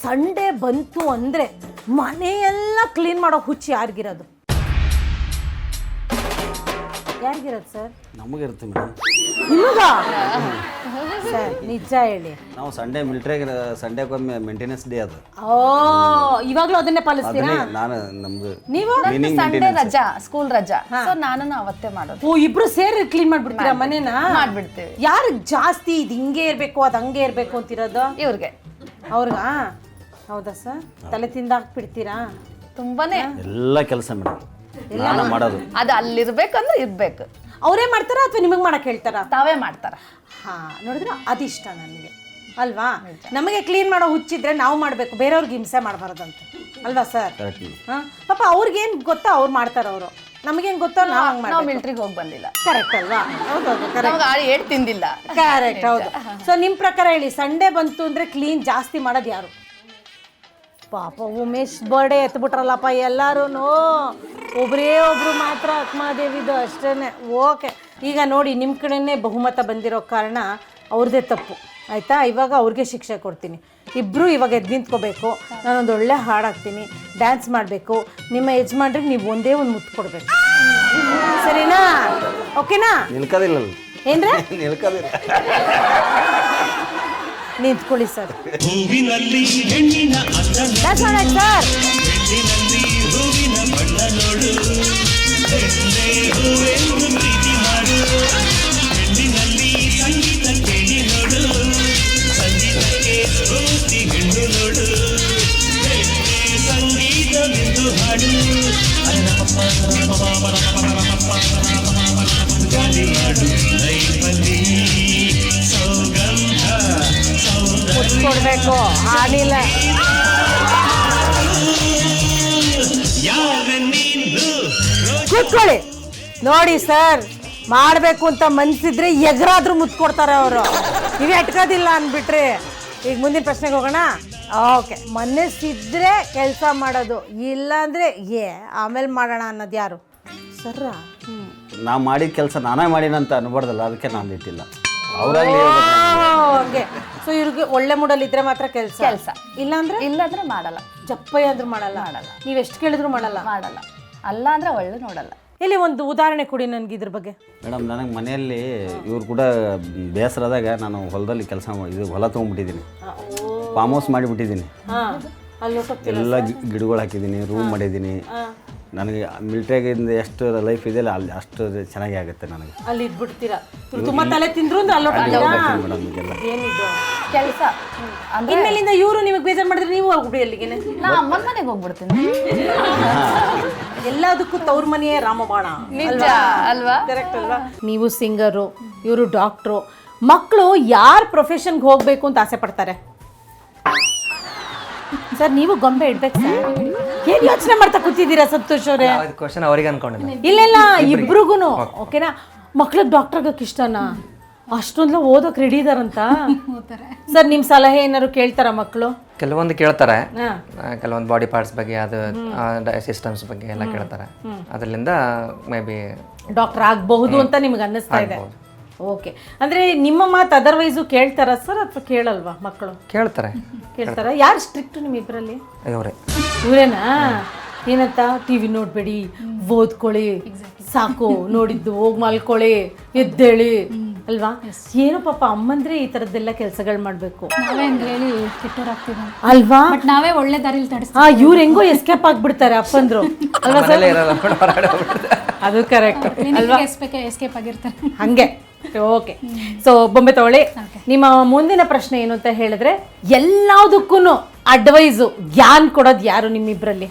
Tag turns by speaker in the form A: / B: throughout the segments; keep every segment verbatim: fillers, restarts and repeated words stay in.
A: Sunday ಬಂತು ಅಂದರೆ ಮನೆಯೆಲ್ಲ ಕ್ಲೀನ್ ಮಾಡೋ ಹುಚ್ಚು ಯಾರಿಗಿರೋದು? ಯಾರಿಗಿರೋದು ಸರ್?
B: ನಮಗಿರುತ್ತೆ ಮೇಡಮ್.
A: ನಿಮಗ ಸರ್ ನಿಜ ಹೇಳಿ.
B: ನಾವು ಸಂಡೇ ಮಿಲಿಟ್ರಿಗೆ ಸಂಡೇಗೊಮ್ಮೆ ಮೇಂಟೆನೆನ್ಸ್ ಡೇ ಅದು.
A: ಓ ಇವಾಗಲೂ ಅದನ್ನೇ ಪಾಲಿಸ್ತೀರಾ?
B: ನಾನು ನಮ್ದು
A: ನೀವು
C: ಸಂಡೇ ರಜಾ, ಸ್ಕೂಲ್ ರಜಾ, ಸೊ ನಾನು ಅವತ್ತೇ ಮಾಡೋದು.
A: ಓ ಇಬ್ರು ಸೇರಿ ಕ್ಲೀನ್ ಮಾಡ್ಬಿಡ್ತೀರಾ ಮನೇನ?
C: ಮಾಡ್ಬಿಡ್ತೀವಿ.
A: ಯಾರಿಗೆ ಜಾಸ್ತಿ ಇದು ಹಿಂಗೆ ಇರಬೇಕು ಅದು ಹಂಗೆ ಇರಬೇಕು ಅಂತಿರೋದು?
C: ಇವ್ರಿಗೆ.
A: ಅವ್ರಿಗಾ? ಹೌದಾ ಸರ್? ತಲೆ ತಿಂದಾಕ್ಬಿಡ್ತೀರಾ?
C: ತುಂಬಾನೇ
B: ಎಲ್ಲ ಕೆಲಸ ಮೇಡಮ್ ನಾನು ಮಾಡೋದು.
C: ಅದು ಅಲ್ಲಿರ್ಬೇಕಂದ್ರೆ ಇರ್ಬೇಕು.
A: ಅವರೇ ಮಾಡ್ತಾರಾ ಅಥವಾ ನಿಮಗೆ ಮಾಡಕ್ಕೆ ಹೇಳ್ತಾರಾ?
C: ತಾವೇ ಮಾಡ್ತಾರ.
A: ಹಾ ನೋಡಿದ್ರೆ ಅದಿಷ್ಟ ನನಗೆ ಅಲ್ವಾ? ನಮಗೆ ಕ್ಲೀನ್ ಮಾಡೋ ಹುಚ್ಚಿದ್ರೆ ನಾವು ಮಾಡಬೇಕು, ಬೇರೆಯವ್ರಿಗೆ ಹಿಂಸೆ ಮಾಡಬಾರ್ದಂತ ಅಲ್ವಾ ಸರ್? ಹಾಂ ಪಾಪ ಅವ್ರಿಗೇನು ಗೊತ್ತಾ ಅವ್ರು ಮಾಡ್ತಾರ ಅವರು, ನಮಗೇನು ಗೊತ್ತೋ ನಾವು ಹಂಗೆ
C: ನಾವು
A: ಮಾಡಿ.
C: ಮಿಲಿಟ್ರಿಗೆ ಹೋಗಿ ಬಂದಿಲ್ಲ.
A: ಕರೆಕ್ಟ್ ಅಲ್ವಾ? ಹೌದೌದು ಕರೆಕ್ಟ್.
C: ಆಳು ಏಟ್ ತಿಂದಿಲ್ಲ.
A: ಕರೆಕ್ಟ್ ಹೌದು. ಸೊ ನಿಮ್ಮ ಪ್ರಕಾರ ಹೇಳಿ, ಸಂಡೇ ಬಂತು ಅಂದರೆ ಕ್ಲೀನ್ ಜಾಸ್ತಿ ಮಾಡೋದು ಯಾರು? ಪಾಪ ಉಮೇಶ್ ಬರ್ಡೇ ಎತ್ಬಿಟ್ರಲ್ಲಪ್ಪ ಎಲ್ಲರೂ. ಒಬ್ಬರೇ ಒಬ್ಬರು ಮಾತ್ರ ಅಕ್ಮಾದೇವಿದು ಅಷ್ಟೇ. ಓಕೆ ಈಗ ನೋಡಿ ನಿಮ್ಮ ಕಡೆನೇ ಬಹುಮತ ಬಂದಿರೋ ಕಾರಣ ಅವ್ರದ್ದೇ ತಪ್ಪು ಆಯಿತಾ? ಇವಾಗ ಅವ್ರಿಗೆ ಶಿಕ್ಷೆ ಕೊಡ್ತೀನಿ. ಇಬ್ಬರು ಇವಾಗ ಎದ್ದು ನಿಂತ್ಕೋಬೇಕು, ನಾನೊಂದು ಒಳ್ಳೆ ಹಾಡು ಹಾಕ್ತೀನಿ, ಡ್ಯಾನ್ಸ್ ಮಾಡಬೇಕು, ನಿಮ್ಮ ಯಜಮಾನ್ರಿಗೆ ನೀವು ಒಂದೇ ಒಂದು ಮುತ್ತು ಕೊಡಬೇಕು, ಸರಿನಾ? ಓಕೆನಾ?
B: ನಿಲ್ಕೋದಿಲ್ಲ
A: ಏನ್ರೆ
B: ನಿಲ್ಕೋದಿಲ್ಲ.
A: ನಿಂತ್ಕೊಳ್ಳಿ ಸರ್.
D: ಹೂವಿನಲ್ಲಿ ಹೆಣ್ಣಿನ
A: ಡ್ಯಾನ್ಸ್ ಮಾಡಕ್ಕೆ ಸರ್.
D: ಹೆಣ್ಣಿನಲ್ಲಿ ಹೂವಿನ ಬಣ್ಣ ನೋಡು, ಹೆಣ್ಣೆ ಹೂವೆಂದು ಪ್ರೀತಿ ಮಾಡು, ಹೆಣ್ಣಿನಲ್ಲಿ ಸಂಗೀತ ಕೇಳಿ ನೋಡು, ಸಂಗೀತಕ್ಕೆ ಸ್ಫೂರ್ತಿ ಹೆಣ್ಣು ನೋಡು, ಹೆಣ್ಣೆ ಸಂಗೀತವೆಂದು ಹಾಡು, ಗಾಳಿಯಾಡು ಲೈಫಲ್ಲಿ ಸೌಗಂಧ
A: ಕೊಡ್ಬೇಕು ಹಾಡಿಲ್ಲ. ಕೂತ್ಕೊಳ್ಳಿ. ನೋಡಿ ಸರ್, ಮಾಡಬೇಕು ಅಂತ ಮನ್ಸಿದ್ರೆ ಎಗರಾದ್ರೂ ಮುತ್ತು ಕೊಡ್ತಾರೆ ಅವರು. ನೀವು ಎಟ್ಕೋದಿಲ್ಲ ಅಂದ್ಬಿಟ್ರಿ. ಈಗ ಮುಂದಿನ ಪ್ರಶ್ನೆಗೆ ಹೋಗೋಣ. ಓಕೆ, ಮನಸ್ಸಿದ್ರೆ ಕೆಲಸ ಮಾಡೋದು, ಇಲ್ಲಾಂದ್ರೆ ಏ ಆಮೇಲೆ ಮಾಡೋಣ ಅನ್ನೋದು ಯಾರು? ಸರ್
B: ನಾ ಮಾಡಿದ ಕೆಲಸ ನಾನೇ ಮಾಡಿನಂತ ಅನ್ಬಾರ್ದಲ್ಲ, ಅದಕ್ಕೆ ನಾನು ಇಟ್ಟಿಲ್ಲ. ಅವರಾಗಲಿ
A: ಓಕೆ. ಸೊ ಇವ್ರಿಗೆ ಒಳ್ಳೆ ಮೂಡಲ್ಲಿ ಇದ್ರೆ ಮಾತ್ರ ಕೆಲಸ
C: ಕೆಲಸ,
A: ಇಲ್ಲಾಂದ್ರೆ
C: ಇಲ್ಲಾಂದ್ರೆ ಮಾಡಲ್ಲ.
A: ಜಪ್ಪಯ್ಯ ಅಂದ್ರೂ ಮಾಡಲ್ಲ.
C: ಮಾಡಲ್ಲ.
A: ನೀವು ಎಷ್ಟು ಕೇಳಿದ್ರು ಮಾಡಲ್ಲ.
C: ಮಾಡಲ್ಲ. ಅಲ್ಲ ಅಂದ್ರೆ ಒಳ್ಳೆ ನೋಡಲ್ಲ.
A: ಇಲ್ಲಿ ಒಂದು ಉದಾಹರಣೆ ಕೊಡಿ ನನಗೆ ಇದ್ರ ಬಗ್ಗೆ.
B: ಮೇಡಮ್, ನನಗೆ ಮನೆಯಲ್ಲಿ ಇವ್ರು ಕೂಡ ಬೇಸರದಾಗ ನಾನು ಹೊಲದಲ್ಲಿ ಕೆಲಸ ಇದು ಹೊಲ ತೊಗೊಂಡ್ಬಿಟ್ಟಿದ್ದೀನಿ, ಫಾರ್ಮ್ ಹೌಸ್ ಮಾಡಿಬಿಟ್ಟಿದ್ದೀನಿ, ಎಲ್ಲ ಗಿಡಗಳು ಹಾಕಿದ್ದೀನಿ, ರೂಮ್ ಮಾಡಿದ್ದೀನಿ. ನನಗೆ ಮಿಲಿಟ್ರಿಯಾಗಿಂದ ಎಷ್ಟು ಲೈಫ್ ಇದೆಯಲ್ಲ ಅಲ್ಲಿ ಅಷ್ಟು ಚೆನ್ನಾಗಿ ಆಗುತ್ತೆ ನನಗೆ.
A: ಅಲ್ಲಿ ಇದ್ಬಿಡ್ತೀರಾ, ತುಂಬ ತಲೆ ತಿಂದ್ರು ಅಂದ್ರೆ ಅಲ್ಲೋಗ್ತೀರಾ
B: ಮೇಡಮ್. ಈಗೆಲ್ಲ
A: ಏನಿದು
C: ಕೆಲಸ.
A: ಇನ್ಮೇಲಿಂದ ಇವರು ನಿಮಗೆ ಬೇಜಾರು ಮಾಡಿದ್ರೆ ನೀವು ಹೋಗ್ಬಿಡಿ ಅಲ್ಲಿಗೆ.
C: ನಾ ಅಮ್ಮನ ಮನೆಗೆ ಹೋಗ್ಬಿಡ್ತೀನಿ.
A: ಎಲ್ಲದಕ್ಕೂ ತವ್ರ ಮನೆಯೇ ರಾಮಬಾಣ.
C: ನಿಜ ಅಲ್ವಾ?
A: ಕರೆಕ್ಟ್ ಅಲ್ವಾ? ನೀವು ಸಿಂಗರು, ಇವರು ಡಾಕ್ಟ್ರು. ಮಕ್ಕಳು ಯಾರ ಪ್ರೊಫೆಷನ್ಗೆ ಹೋಗ್ಬೇಕು ಅಂತ ಆಸೆ ಪಡ್ತಾರೆ ಸರ್? ನೀವು ಗೊಂಬೆ ಇಡ್ಬೇಕು ಸರ್. ಏನ್ ಯೋಚನೆ ಮಾಡ್ತಾ ಕೂತಿದ್ದೀರಾ ಸಂತೋಷ್ ಅವರೇ?
E: ಕ್ವಶನ್ ಅವರಿಗೆ ಅನ್ಕೊಂಡಿಲ್ಲ.
A: ಇಲ್ಲ ಇಲ್ಲ, ಇಬ್ರಿಗೂನು ಓಕೆನಾ? ಮಕ್ಳಿಗೆ ಡಾಕ್ಟರ್ ಆಗಕ್ಕೆ ಇಷ್ಟನಾ? ಅಷ್ಟೊಂದು ಓದೋಕ್ ರೆಡಿ ಇದಾರಂತ ಸರ್? ನಿಮ್ ಸಲಹೆ ಏನಾದ್ರು ಕೇಳ್ತಾರ ಮಕ್ಕಳು?
E: ಕೆಲವೊಂದು ಕೇಳ್ತಾರೆ, ಕೆಲವೊಂದು ಬಾಡಿ ಪಾರ್ಟ್ಸ್ ಬಗ್ಗೆ, ಅದು ಸಿಸ್ಟಮ್ಸ್ ಬಗ್ಗೆ ಎಲ್ಲ ಕೇಳ್ತಾರೆ. ಅದರಿಂದ ಮೇ ಬಿ
A: ಡಾಕ್ಟರ್ ಆಗಬಹುದು ಅಂತ ನಿಮ್ಗೆ ಅನ್ನಿಸ್ತಾ ಇದೆ. ಓಕೆ, ಅಂದ್ರೆ ನಿಮ್ಮ ಮಾತು ಅದರ್ವೈಸು ಕೇಳ್ತಾರ ಸರ್ ಅಥವಾ ಕೇಳಲ್ವಾ ಮಕ್ಕಳು?
E: ಕೇಳ್ತಾರೆ.
A: ಕೇಳ್ತಾರ. ಯಾರು ಸ್ಟ್ರಿಕ್ಟ್ ನಿಮ್ ಇಬ್ಬರಲ್ಲಿ?
E: ಇವರೇ.
A: ಇವರೇನಾ? ಏನಂತ? ಟಿವಿ ನೋಡ್ಬೇಡಿ, ಓದ್ಕೊಳ್ಳಿ, ಸಾಕು, ನೋಡಿದ್ದು ಹೋಗಿ ಮಲ್ಕೊಳ್ಳಿ, ಎದ್ದೇಳಿ ಅಲ್ವಾ? ಏನೋ ಪಾಪ ಅಮ್ಮಂದ್ರೆ ಈ ತರದ್ದೆಲ್ಲ ಕೆಲಸಗಳು ಮಾಡ್ಬೇಕು.
F: ನಾವೇ ಹಂಗೆ ಹೇಳಿ ಕೆಟ್ಟೋರಾಗ್ತೀವಿ
A: ಅಲ್ವಾ?
F: ಬಟ್ ನಾವೇ ಒಳ್ಳೆ ದಾರಿಲಿ ತಡಿಸ್ತೀವಿ.
A: ಹಾ, ಇವ್ರು ಹೆಂಗೋ ಎಸ್ಕೇಪ್ ಆಗ್ಬಿಡ್ತಾರೆ ಅಪ್ಪಂದ್ರು ಅಲ್ವಾ ಸರ್? ಅದು ಕರೆಕ್ಟ್ ಅಲ್ವಾ?
F: ಎಸ್ಕೇಪ್ ಆಗಿರ್ತಾರೆ
A: ಹಂಗೆ. ಓಕೆ, ಸೊ ಬೊಂಬೆ ತಗೊಳ್ಳಿ. ನಿಮ್ಮ ಮುಂದಿನ ಪ್ರಶ್ನೆ ಏನು ಅಂತ ಹೇಳಿದ್ರೆ, ಎಲ್ಲದಕ್ಕೂ ಅಡ್ವೈಸು ಜ್ಞಾನ ಕೊಡೋದು ಯಾರು ನಿಮ್ಮಿಬ್ರಲ್ಲಿ?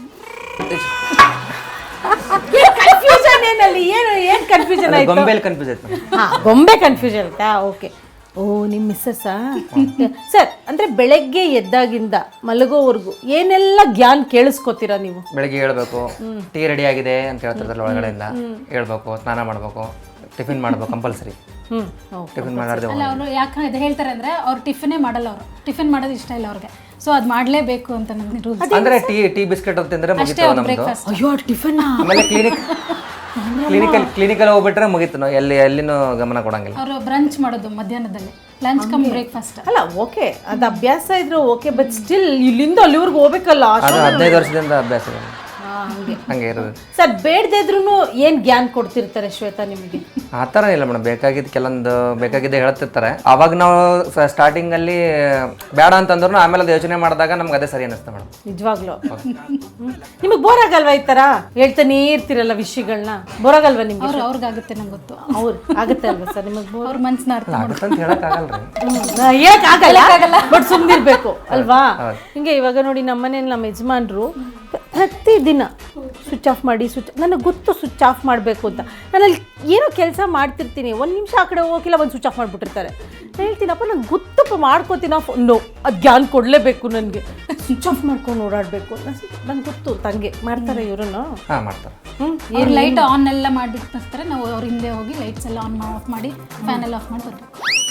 A: ಕನ್ಫ್ಯೂಷನ್ ಏನಲ್ಲಿ? ಏನು ಏನು ಕನ್ಫ್ಯೂಷನ್ ಆಯ್ತು?
E: ಗೊಂಬೆಲ್ ಕನ್ಫ್ಯೂಸ್ ಆಯ್ತು.
A: ಹಾ, ಗೊಂಬೆ ಕನ್ಫ್ಯೂಷನ್ ಆಯ್ತಾ? ಓಕೆ. ಓ, ನಿಮ್ಮ ಮಿಸ್ಸಸ್ಸಾ? ಸರ್, ಅಂದ್ರೆ ಬೆಳಗ್ಗೆ ಎದ್ದಾಗಿಂದ ಮಲಗೋವರೆಗೂ ಏನೆಲ್ಲ ಜ್ಞಾನ ಕೇಳಿಸ್ಕೊತೀರಾ ನೀವು?
E: ಬೆಳಗ್ಗೆ ಹೇಳ್ಬೇಕು, ಟೀ ರೆಡಿ ಆಗಿದೆ ಅಂತ ಹೇಳ್ತಾರೆ ಒಳಗಡೆಯಿಂದ. ಹೇಳ್ಬೇಕು, ಸ್ನಾನ ಮಾಡ್ಬೇಕು, ಟಿಫಿನ್ ಮಾಡ್ಬೇಕು ಕಂಪಲ್ಸರಿ.
A: ಹ್ಮ್,
E: ಟಿಫಿನ್ ಮಾಡಾರ್ದೆ
F: ಅಲ್ಲ, ಅವರು ಯಾಕೆ ಇದು ಹೇಳ್ತಾರೆ ಅಂದ್ರೆ ಅವ್ರು ಟಿಫಿನೇ ಮಾಡಲ್ಲ. ಅವರು ಟಿಫಿನ್ ಮಾಡೋದು ಇಷ್ಟ ಇಲ್ಲ ಅವ್ರಿಗೆ, ಸೊ ಅದು ಮಾಡಲೇಬೇಕು ಅಂತ ನಮ್ಗೆ ರೂಲ್ಸ್.
E: ಅಂದ್ರೆ ಟೀ ಟೀ ಬಿಸ್ಕೆಟ್ ಅಂತ ತಿಂದ್ರೆ ಮುಗಿತು ನಮ್ದು.
A: ಅಯ್ಯೋ ಟಿಫನ್.
E: ಆಮೇಲೆ ಕ್ಲಿನಿಕ್ ಕ್ಲಿನಿಕಲ್ ಕ್ಲಿನಿಕಲ್ ಹೋಗ್ಬಿಟ್ರೆ ಮುಗೀತು ನಾವು ಎಲ್ಲಿ ಎಲ್ಲಿನೂ ಗಮನ ಕೊಡಂಗಿಲ್ಲ.
F: ಅವರು ಬ್ರಂಚ್ ಮಾಡೋದು ಮಧ್ಯಾಹ್ನದಲ್ಲಿ, ಲಂಚ್ ಕಮ್ ಬ್ರೇಕ್ಫಾಸ್ಟ್.
A: ಅಲ್ಲ ಓಕೆ ಅದು ಅಭ್ಯಾಸ ಇದ್ರು ಓಕೆ, ಬಟ್ ಸ್ಟಿಲ್ ಇಲ್ಲಿಂದ ಅಲ್ಲಿವರೆಗೂ ಹೋಗ್ಬೇಕಲ್ಲ.
E: ಅದು ಹದಿನೈದು ವರ್ಷದಿಂದ ಅಭ್ಯಾಸ ಇದೆ. ಹಂಗೆ ಇರೋದು
A: ಸರ್. ಬೇಡದೇ ಇದ್ರು ಏನ್ ಜ್ಞಾನ ಕೊಡ್ತಿರ್ತಾರೆ ಶ್ವೇತಾ ನಿಮಗೆ?
E: ಆ ಥರ ಇಲ್ಲ ಮೇಡಮ್, ಬೇಕಾಗಿದ್ದು ಕೆಲವೊಂದು ಬೇಕಾಗಿದ್ದೆ ಹೇಳ್ತಿರ್ತಾರೆ. ಅವಾಗ ನಾವು ಸ್ಟಾರ್ಟಿಂಗ್ ಅಲ್ಲಿ ಬೇಡ ಅಂತಂದ್ರು ಆಮೇಲೆ ಅದು ಯೋಚನೆ ಮಾಡಿದಾಗ ನಮ್ಗೆ ಅದೇ ಸರಿ ಅನ್ನಿಸ್ತಾ ಮೇಡಮ್.
A: ನಿಜವಾಗ್ಲು ನಿಮಗೆ ಬೋರ್ ಆಗಲ್ವಾ ಈ ತರ ಹೇಳ್ತಾನೆ ಇರ್ತಿರಲ್ಲ ವಿಷಯಗಳನ್ನ? ಬೋರ್ ಆಗಲ್ವಾ ನಿಮ್ಗೆ?
F: ಅವ್ರು ಅವ್ರಿಗಾಗುತ್ತೆ ನಂಗೆ ಗೊತ್ತು.
A: ಅವ್ರು ಆಗುತ್ತೆ ಅಲ್ವಾ ಸರ್ ನಿಮಗೆ ಬೋರ್?
F: ಅವ್ರ ಮನ್ಸನ್ನ ಅರ್ಥ
E: ಆಗುತ್ತೆ ಅಂತ ಹೇಳಕ್ಕಾಗಲ್ರಿ.
A: ಹೇಳಕ್ ಆಗಲ್ಲ, ಬಟ್ ಸುಮ್ನಿರ್ಬೇಕು ಅಲ್ವಾ? ಹಿಂಗೆ ಇವಾಗ ನೋಡಿ ನಮ್ಮನೇಲಿ ನಮ್ಮ ಯಜಮಾನ್ರು ಪ್ರತಿ ದಿನ ಸ್ವಿಚ್ ಆಫ್ ಮಾಡಿ ಸ್ವಿಚ್, ನನಗೆ ಗೊತ್ತು ಸ್ವಿಚ್ ಆಫ್ ಮಾಡಬೇಕು ಅಂತ. ನಾನಲ್ಲಿ ಏನೋ ಕೆಲಸ ಮಾಡ್ತಿರ್ತೀನಿ, ಒಂದು ನಿಮಿಷ ಆ ಕಡೆ ಹೋಗಿಲ್ಲ ಒಂದು ಸ್ವಿಚ್ ಆಫ್ ಮಾಡಿಬಿಟ್ಟಿರ್ತಾರೆ. ನಾನು ಹೇಳ್ತೀನಪ್ಪ ನಂಗೆ ಗೊತ್ತಪ್ಪ ಮಾಡ್ಕೋತೀನಿ, ನೋ ಅದು ಜ್ಞಾನ ಕೊಡಲೇಬೇಕು ನನಗೆ, ಸ್ವಿಚ್ ಆಫ್ ಮಾಡ್ಕೊಂಡು ಓಡಾಡಬೇಕು ನಂಗೆ ಗೊತ್ತು. ತಂಗೆ ಮಾಡ್ತಾರೆ ಇವರನ್ನು.
E: ಹಾಂ ಮಾಡ್ತಾರೆ.
A: ಹ್ಞೂ
F: ಅವ್ರು ಲೈಟ್ ಆನ್ ಎಲ್ಲ ಮಾಡಿಬಿಟ್ಟು ಬರ್ತಾರೆ, ನಾವು ಅವ್ರ ಹಿಂದೆ ಹೋಗಿ ಲೈಟ್ಸ್ ಎಲ್ಲ ಆನ್ ಆಫ್ ಮಾಡಿ ಫ್ಯಾನ್ ಎಲ್ಲ ಆಫ್ ಮಾಡಿ ಬರ್ತೀವಿ.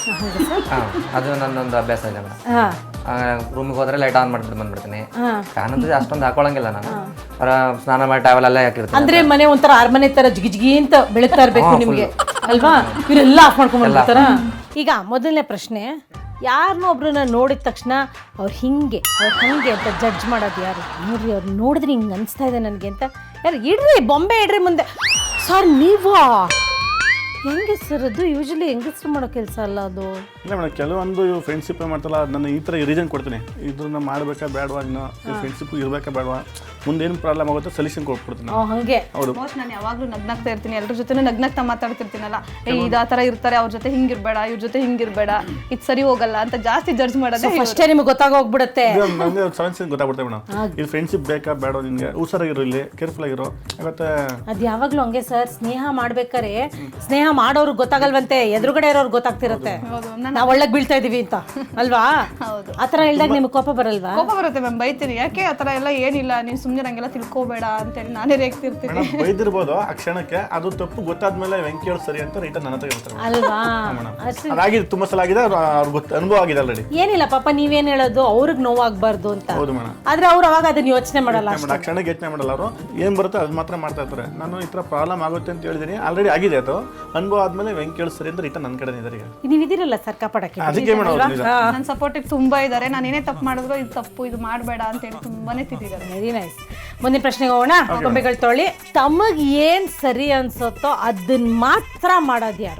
E: ಹಾಂ ಅದು ನನ್ನೊಂದು ಅಭ್ಯಾಸ ಇದೆ ಮೇಡಮ್.
A: ಹಾಂ
E: ರೂಮಿಗೆ ಹೋದ್ರೆ ಲೈಟ್ ಆನ್ ಮಾಡ್ಬಿಟ್ಟು ಬಂದ್ಬಿಡ್ತೀನಿ.
A: ಹಾಂ
E: ಫ್ಯಾನ್ ಅಂತ ಅಷ್ಟೊಂದು ಹಾಕೊಳಂಗಿಲ್ಲ ನಾನು. ಅವರ ಸ್ನಾನ ಮಾಡಿ ಟ್ಯಾವಲ್ ಎಲ್ಲ ಹಾಕಿರ್ತೀನಿ.
A: ಅಂದ್ರೆ ಮನೆ ಒಂಥರ ಅರಮನೆ ತರ ಜಿಗಿ ಜಿಗಿ ಅಂತ ಬೆಳಗ್ತಾ ಇರ್ಬೇಕು ನಿಮ್ಗೆ ಅಲ್ವಾ? ಇವರೆಲ್ಲ ಆಫ್ ಮಾಡ್ಕೊಂಡ್ಬರ್ತಾರ. ಈಗ ಮೊದಲನೇ ಪ್ರಶ್ನೆ, ಯಾರನ್ನೋ ಒಬ್ರನ್ನ ನೋಡಿದ ತಕ್ಷಣ ಅವ್ರು ಹಿಂಗೆ ಅವ್ರು ಹಂಗೆ ಅಂತ ಜಡ್ಜ್ ಮಾಡೋದು ಯಾರು? ನೋಡ್ರಿ ಅವ್ರು ನೋಡಿದ್ರೆ ಹಿಂಗೆ ಅನಿಸ್ತಾ ಇದೆ ನನಗೆ ಅಂತ ಯಾರು? ಇಡ್ರಿ ಬೊಂಬೆ ಇಡ್ರಿ ಮುಂದೆ. ಸರ್ ನೀವಾ? ಹೆಂಗೆ ಸರ್ ಅದು? ಯೂಶಲಿ ಹೆಂಗಸ್ರು ಮಾಡೋ ಕೆಲಸ ಅಲ್ಲ ಅದು.
G: ಇಲ್ಲ ಮೇಡಮ್, ಕೆಲವೊಂದು ಫ್ರೆಂಡ್ಶಿಪ್ ಮಾಡ್ತಾರಲ್ಲ, ನಾನು ಈ ಥರ ರೀಸನ್ ಕೊಡ್ತೀನಿ, ಇದನ್ನ ಮಾಡಬೇಕಾ ಬೇಡವಾ, ಇನ್ನು ಫ್ರೆಂಡ್ಶಿಪ್ ಇರಬೇಕಾ ಬೇಡವಾ, ಮುಂದೇನು ಪ್ರಾಬ್ಲಮ್ ಆಗುತ್ತೆ ಸೊಲ್ಯೂಷನ್ ಕೊಟ್ಬಿಡ್ತೀನಿ.
A: ಹಂಗೆ
G: ಹೌದು.
C: ಮೋಸ್ಟ್ ನಾನು ಯಾವಾಗಲೂ ನಗ್ನಾಗ್ತಾ ಇರ್ತೀನಿ, ಎಲ್ಲರ ಜೊತೆ ನಗ್ನಾಗ್ತಾ ಮಾತಾಡ್ತಿರ್ತೀನಲ್ಲ, ಏ ಇದು ಆ ಥರ ಇರ್ತಾರೆ, ಅವ್ರ ಜೊತೆ ಹಿಂಗಿರ್ಬೇಡ, ಇವ್ರ ಜೊತೆ ಹಿಂಗಿರ್ಬೇಡ, ಇದು ಸರಿ ಹೋಗಲ್ಲ ಅಂತ ಜಾಸ್ತಿ ಜಡ್ಜ್ ಮಾಡೋದು
A: ಫಸ್ಟೇ ನಿಮ್ಗೆ ಗೊತ್ತಾಗೋಗ್ಬಿಡುತ್ತೆ.
G: ನನಗೆ ಸೊಲ್ಯೂಷನ್ ಗೊತ್ತಾಗ್ಬಿಡ್ತೇವೆ ಮೇಡಮ್. ಇದು ಫ್ರೆಂಡ್ಶಿಪ್ ಬೇಕಾ ಬೇಡ, ನಿನಗೆ ಹುಷಾರಾಗಿರೋ, ಇಲ್ಲಿ ಕೇರ್ಫುಲ್ ಆಗಿರೋ. ಮತ್ತೆ
A: ಅದು ಯಾವಾಗಲೂ ಹಂಗೆ ಸರ್, ಸ್ನೇಹ ಮಾಡ್ಬೇಕಾರೆ ಸ್ನೇಹ ಮಾಡೋರ್ಗೆ ಗೊತ್ತಾಗಲ್ವಂತೆ, ಎದುರುಗಡೆ ಇರೋರ್ಗೆ ಗೊತ್ತಾಗ್ತಿರುತ್ತೆ ನಾವು ಒಳ್ಳೆ ಬೀಳ್ತಾ ಇದೀವಿ ಅಂತ ಅಲ್ವಾ? ಆ ಥರ ಹೇಳ್ದಾಗ ನಿಮ್ಗೆ ಕೋಪ ಬರಲ್ವಾ?
C: ಕೋಪ ಬರುತ್ತೆ ಮ್ಯಾಮ್, ಬೈತೀನಿ. ಯಾಕೆ ಆ ಥರ ಎಲ್ಲ ಏನಿಲ್ಲ, ನೀನು ಸುಮ್ಮನೆ ನಂಗೆಲ್ಲ ತಿಳ್ಕೊಬೇಡ ಅಂತೇಳಿ ನಾನೇ ರೇಗ್ತಿರ್ತೀನಿ.
G: ಮೇಡಮ್ ಬೈದಿರ್ಬೋದು ಆ ಕ್ಷಣಕ್ಕೆ, ಅದು ತಪ್ಪು ಗೊತ್ತಾದ್ಮೇಲೆ ವೆಂಕಿ ಹೇಳಿ ಸರಿ ಅಂತ ರೈತ ನನ್ನ ಹತ್ರ ಹೇಳ್ತಾರೆ
A: ಅಲ್ವಾ?
G: ಅದಾಗಿದೆ, ತುಂಬಾ ಸಲ ಆಗಿದೆ, ಅವ್ರಿಗೆ ಗೊತ್ತ ಅನುಭವ ಆಗಿದೆ ಆಲ್ರೆಡಿ.
A: ಏನಿಲ್ಲ ಪಾಪ ನೀವೇನ್ ಹೇಳೋದು, ಅವ್ರಿಗೆ ನೋವಾಗಬಾರ್ದು ಅಂತ.
G: ಹೌದು ಮೇಡಮ್.
A: ಆದ್ರೆ ಅವ್ರು ಅವಾಗ ಅದನ್ನ ಯೋಚನೆ ಮಾಡಲ್ಲ.
G: ಆ ಕ್ಷಣಕ್ಕೆ ಯೋಚನೆ ಮಾಡಲ್ಲ ಅವರು, ಏನ್ ಬರುತ್ತೆ ಅದು ಮಾತ್ರ ಮಾಡ್ತಾ ಇರ್ತಾರೆ. ನಾನು ಈ ತರ ಪ್ರಾಬ್ಲಮ್ ಆಗುತ್ತೆ ಅಂತ ಹೇಳಿದೀನಿ, ಆಲ್ರೆಡಿ ಆಗಿದೆ, ಅದು ಅನುಭವ ಆದ್ಮೇಲೆ ವೆಂಕಿ ಹೇಳಿ ಸರಿ ಅಂತ ರೈತ ನನ್ನ ಕಡೆ ಇದ್ದಾರೆ. ಈಗ
A: ನೀವು ಇದಿರಲ್ಲ ಸರ್ ಕಾಪಾಡಕ್ಕೆ,
G: ಅದಕ್ಕೆ ಮೇಡಮ್
C: ನನ್ನ ಸಪೋರ್ಟಿವ್ ತುಂಬಾ ಇದ್ದಾರೆ. ನಾನು ಏನೇ ತಪ್ಪು ಮಾಡಿದ್ರು ಇದು ತಪ್ಪು, ಇದು ಮಾಡಬೇಡ ಅಂತೇಳಿ ತುಂಬಾನೇ ತಿದ್ದಿದ್ದಾರೆ.
A: Very nice. ಮುಂದಿನ ಪ್ರಶ್ನೆಗೆ ಹೋಗೋಣ. ಗೊಂಬೆಗಳು ತೊಳಿ. ತಮಗ್ ಏನ್ ಸರಿ ಅನ್ಸುತ್ತೋ ಅದನ್ನ ಮಾತ್ರ ಮಾಡೋದು ಯಾರು?